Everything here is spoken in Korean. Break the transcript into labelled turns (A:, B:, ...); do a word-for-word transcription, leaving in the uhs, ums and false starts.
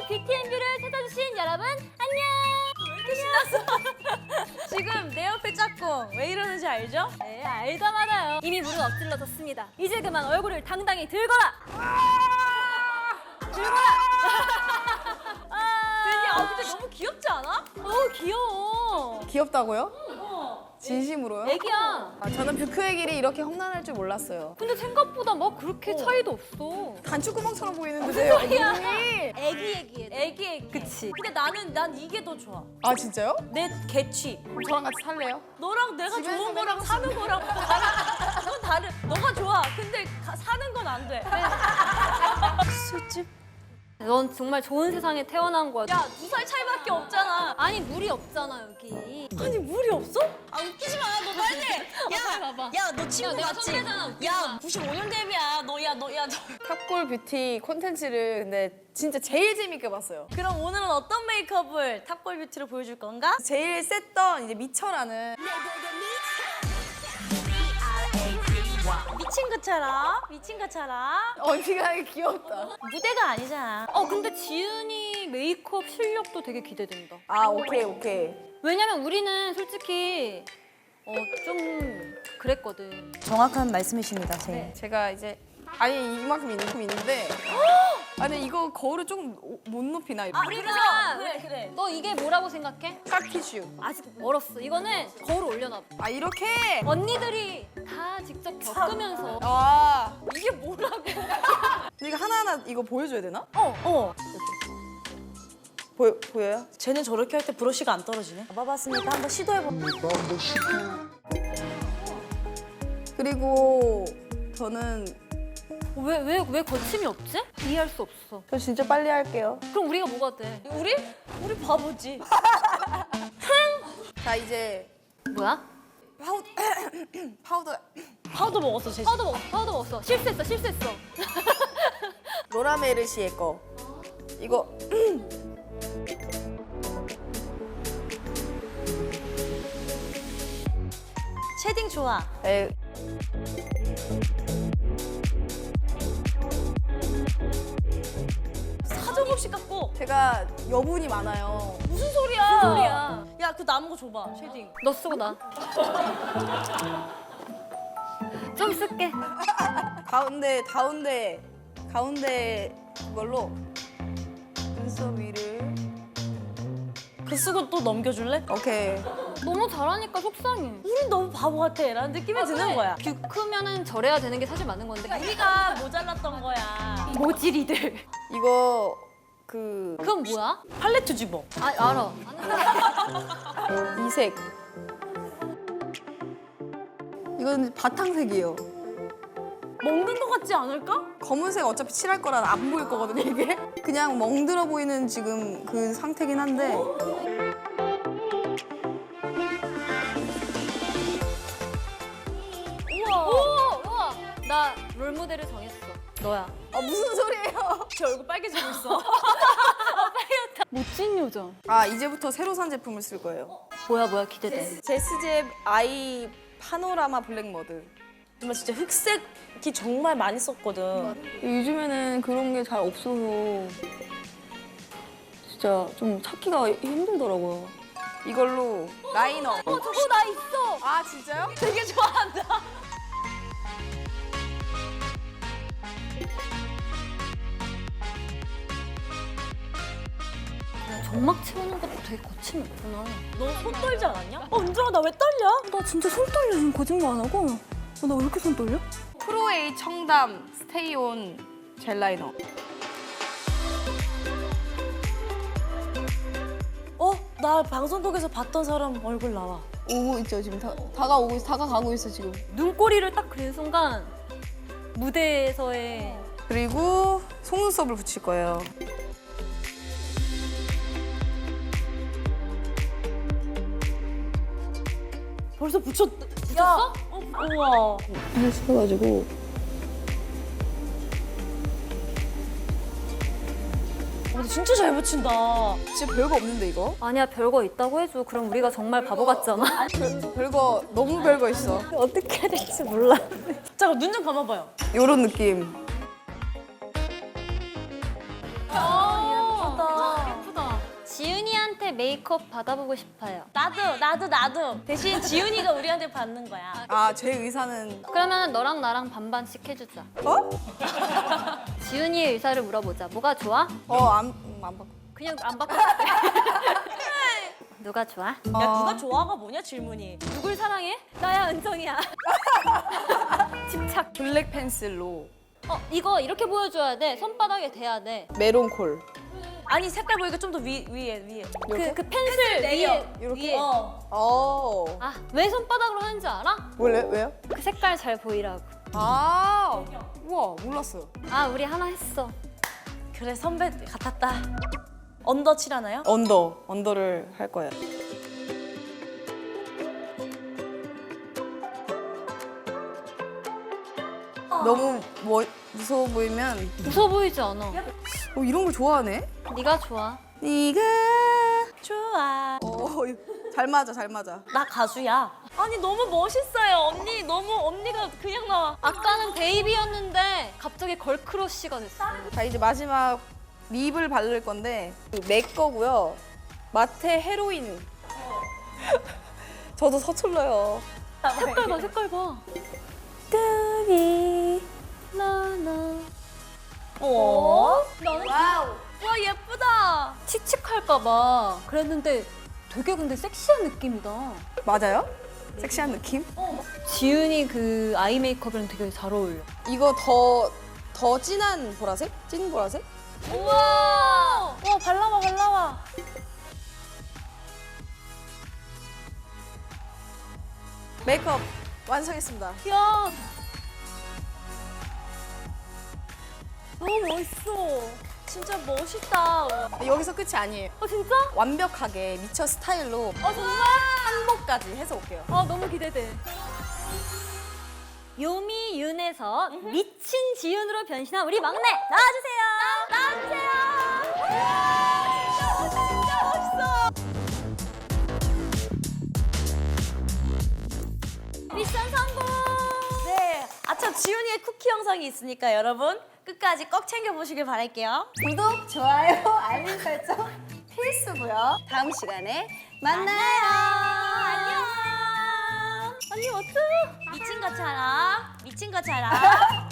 A: 뷰티앤뷰를 찾아주신 여러분 안녕.
B: 왜 이렇게 신났어? 지금 내 옆에 짝꿍 왜 이러는지 알죠?
A: 네, 알다 말아요. 이미 무릎 엎질러졌습니다. 이제 그만 얼굴을 당당히 들거라. 들거라.
B: 드디어 아 근데 너무 귀엽지 않아?
A: 어 귀여워.
C: 귀엽다고요?
B: 어.
C: 진심으로요?
A: 애기야.
C: 아, 저는 뷰크의 길이 이렇게 험난할 줄 몰랐어요.
A: 근데 생각보다 막 그렇게 차이도 없어.
C: 단추구멍처럼 보이는데요.
A: 소리야?
C: 눈이.
B: 애기 애기
A: 애기 애기. 그치.
B: 근데 나는 난 이게 더 좋아.
C: 아 진짜요?
B: 내 개취.
C: 그럼 저랑 같이 살래요?
B: 너랑 내가
C: 집에서
B: 좋은
C: 맨날
B: 거랑 사는 거랑 다른 그건 다른. 너가 좋아. 근데 가, 사는 건 안 돼. 술집.
A: 넌 정말 좋은 세상에 태어난 거야.
B: 야 두 살 차이밖에 없잖아.
A: 아니 물이 없잖아 여기.
B: 아니 물이 없어? 아 웃기지 마. 너 빨리. 야,
A: 봐봐.
B: 야 너 친구
A: 야, 내가
B: 맞지?
A: 선배잖아, 웃기지
B: 야
A: 마.
B: 구십오 년 데뷔야. 너 야 너 야 너.
C: 탑골 뷰티 콘텐츠를 근데 진짜 제일 재밌게 봤어요.
B: 그럼 오늘은 어떤 메이크업을 탑골 뷰티로 보여줄 건가?
C: 제일 셌던 이제 미쳐라는
B: 미친 것처럼 미친 것처럼
C: 언니가 귀엽다.
B: 무대가 아니잖아.
A: 어 근데 지은이 메이크업 실력도 되게 기대된다.
C: 아 오케이 오케이.
A: 왜냐면 우리는 솔직히 어 좀 그랬거든.
B: 정확한 말씀이십니다, 제.
A: 네.
C: 제가 이제 아니 이만큼 이만큼 있는데 아니 이거 거울을 조금 오- 못 높이나 이렇게.
B: 아,
A: 우리가
B: 그래 그래.
A: 너 이게 뭐라고 생각해?
C: 깍티슈.
A: 아직 멀었어. 이거는 거울 올려놔.
C: 아 이렇게.
A: 언니들이 다 직접 겪으면서
C: 아
A: 이게 뭐라고?
C: 이거 하나하나 이거 보여줘야 되나?
B: 어 어.
C: 보여 보여요?
B: 쟤는 저렇게 할 때 브러쉬가 안 떨어지네. 봐봤으니까 한번 시도해봐.
C: 그리고 저는
A: 왜 왜 왜 거침이 없지? 이해할 수 없어.
C: 저 진짜 빨리 할게요.
A: 그럼 우리가 뭐가 돼?
B: 우리? 우리 바보지.
C: 자 이제
A: 뭐야?
C: 파우더 파우더
B: 파우더 먹었어, 쟤.
A: 파우더 먹었어. 파우더 먹었어. 실수했어. 실수했어.
C: 로라 메르시의 거 이거
B: 쉐딩 좋아.
C: 에,
B: 사정없이 깎고.
C: 제가 여분이 많아요.
B: 무슨 소리야?
A: 무슨 소리야?
B: 야, 그 남은 거 줘봐, 쉐딩.
A: 너 쓰고 나. 좀 쓸게.
C: 가운데 가운데 가운데 그걸로 눈썹 위를
B: 그 쓰고 또 넘겨줄래?
C: 오케이.
A: 너무 잘하니까 속상해.
B: 우린 너무 바보 같아. 라는 느낌이 드는 거야.
A: 뷰크면은 저래야 되는 게 사실 맞는 건데.
B: 우리가 모자랐던 거야.
A: 모질이들.
C: 이거 그
A: 그건 뭐야?
B: 팔레트 집어.
A: 아 알아.
C: 이색 이건 바탕색이에요.
B: 먹는 거 같지 않을까?
C: 검은색 어차피 칠할 거라 안 보일 거거든요 이게. 그냥 멍들어 보이는 지금 그 상태긴 한데
A: 우와. 오, 우와. 나 롤모델을 정했어. 너야.
C: 아 무슨 소리예요?
B: 제 얼굴 빨개지고 있어.
A: 멋진 요정.
C: 아 이제부터 새로 산 제품을 쓸 거예요.
A: 뭐야 뭐야 기대돼.
C: 제스잽 아이 파노라마 블랙 머드.
B: 정말 진짜 흑색이 정말 많이 썼거든.
C: 요즘에는 그런 게 잘 없어서 진짜 좀 찾기가 힘들더라고요. 이걸로 라이너.
A: 어 저거 나 있어.
C: 아 진짜요?
B: 되게 좋아한다.
A: 점막 채우는 것도 되게 거침이 있구나.
B: 너 손 떨지 않았냐? 어, 은정아, 나 왜 떨려?
A: 나 진짜 손 떨려 지금 거짓말 안 하고. 나 왜 이렇게 손 떨려?
C: 프로에이 청담 스테이온 젤 라이너.
B: 어? 나 방송국에서 봤던 사람 얼굴 나와.
C: 오고 있죠 지금 다, 다가오고 있어 다가가고 있어 지금.
A: 눈꼬리를 딱 그린 순간 무대에서의
C: 그리고 속눈썹을 붙일 거예요.
B: 벌써 붙였... 붙였어? 어, 우와.
C: 이렇게 시켜가지고
B: 근데 진짜 잘 붙인다.
C: 진짜 별거 없는데 이거?
A: 아니야 별거 있다고 해줘. 그럼 우리가 정말 바보 같잖아.
C: 별, 별거 너무 별거 있어.
A: 어떻게 해야 될지 몰라.
B: 잠깐 눈 좀 감아봐요.
C: 요런 느낌.
B: 예쁘다.
A: 지훈이한테 메이크업 받아보고 싶어요.
B: 나도 나도 나도. 대신 지훈이가 우리한테 받는 거야.
C: 아, 제 의사는
A: 그러면 너랑 나랑 반반씩 해주자.
C: 어?
A: 지훈이의 의사를 물어보자. 뭐가 좋아?
C: 어, 안, 음, 안 바꿔.
A: 그냥 안 바꿔. 누가 좋아?
B: 야 누가 좋아가 뭐냐 질문이.
A: 누굴 사랑해? 나야 은정이야. 집착.
C: 블랙 펜슬로
A: 어 이거 이렇게 보여줘야 돼. 손바닥에 대야 돼.
C: 메론콜.
B: 아니 색깔 보니까 좀 더 위 위에 위에.
A: 그, 그 펜슬 위에.
C: 이렇게?
B: 위에. 어.
C: 어.
A: 아 왜 손바닥으로 하는지 알아?
C: 원래 왜요?
A: 그 색깔 잘 보이라고.
C: 아. 우와, 몰랐어요.
A: 아 우리 하나 했어.
B: 그래 선배 같았다. 언더 칠하나요?
C: 언더, 언더를 할 거예요. 너무 뭐, 무서워 보이면
A: 무서워 보이지 않아.
C: 어, 이런 걸 좋아하네.
A: 네가 좋아.
C: 네가
B: 좋아.
C: 어, 잘 맞아, 잘 맞아.
B: 나 가수야. 아니 너무 멋있어요 언니. 너무 언니가 그냥 나와.
A: 아까는 베이비였는데 갑자기 걸크러쉬가 됐어.
C: 자, 이제 마지막 립을 바를 건데 맥 거고요. 마테 헤로인. 저도 서툴러요.
A: 색깔 봐, 색깔 봐.
C: 뚜비.
A: 나나.
B: 어?
C: 와우.
B: 와 예쁘다.
A: 칙칙할까 봐. 그랬는데 되게 근데 섹시한 느낌이다.
C: 맞아요? 섹시한 느낌?
A: 지은이 그 아이 메이크업이랑 되게 잘 어울려.
C: 이거 더, 더 진한 보라색? 찐 보라색?
B: 우와. 와 발라봐 발라봐.
C: 메이크업 완성했습니다.
B: 야. 너무 멋있어. 진짜 멋있다. 어
C: 여기서 끝이 아니에요.
A: 어 진짜?
C: 완벽하게 미쳐 스타일로
B: 정말.
C: 한복까지 해서 올게요.
A: 아 너무 기대돼. 요미 윤에서 미친 지윤으로 변신한 우리 막내 나와주세요.
B: 나와주세요. 진짜 멋있어.
A: 미션 성공.
B: 네. 아참 지훈이의 쿠키 영상이 있으니까 여러분 끝까지 꼭 챙겨보시길 바랄게요.
C: 구독, 좋아요, 알림 설정 필수고요. 다음 시간에 만나요.
B: 안녕. 언니 어쩌? 미친 것처럼 미친 것처럼